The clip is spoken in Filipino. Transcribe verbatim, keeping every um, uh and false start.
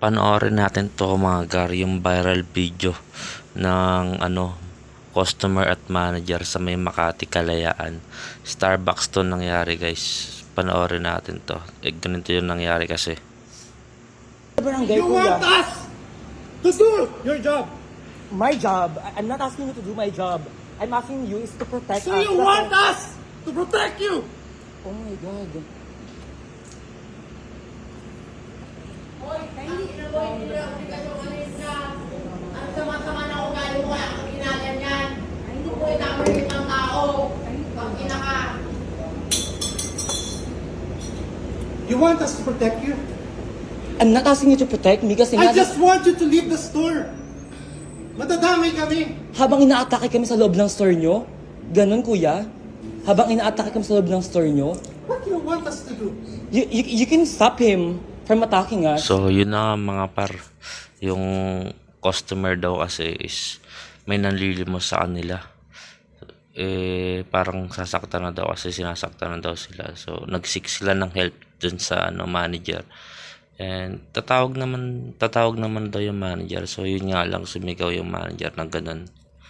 Panoorin natin to mga gar, yung viral video ng ano customer at manager sa may Makati Kalayaan. Starbucks to nangyari guys. Panoorin natin to. Eh, ganito yung nangyari kasi. Barangay, You kuya. want us to do your job. My job. I- I'm not asking you to do my job. I'm asking you is to protect So us. you want us to protect you. Oh my God. Ang sama-sama na ugali mo kaya kang ginaganyan. Hindi po inamulit ng tao. Pag kinaka. You want us to protect you. I'm not asking you to protect me kasi I nga, just want you to leave the store. Madadamay kami. habang inaatake kami sa loob ng store nyo, ganun kuya, habang inaatake kami sa loob ng store nyo, What do you want us to do? you, you, you can stop him from attacking us. So yun na nga, mga par. Yung customer daw kasi is may nanlilimos sa kanila. Eh parang sasaktan na daw kasi sinasaktan na daw sila. So nag-seek sila ng help dun sa ano manager. And tatawag naman tatawag naman daw yung manager. So yun nga lang, sumigaw yung manager na ganun.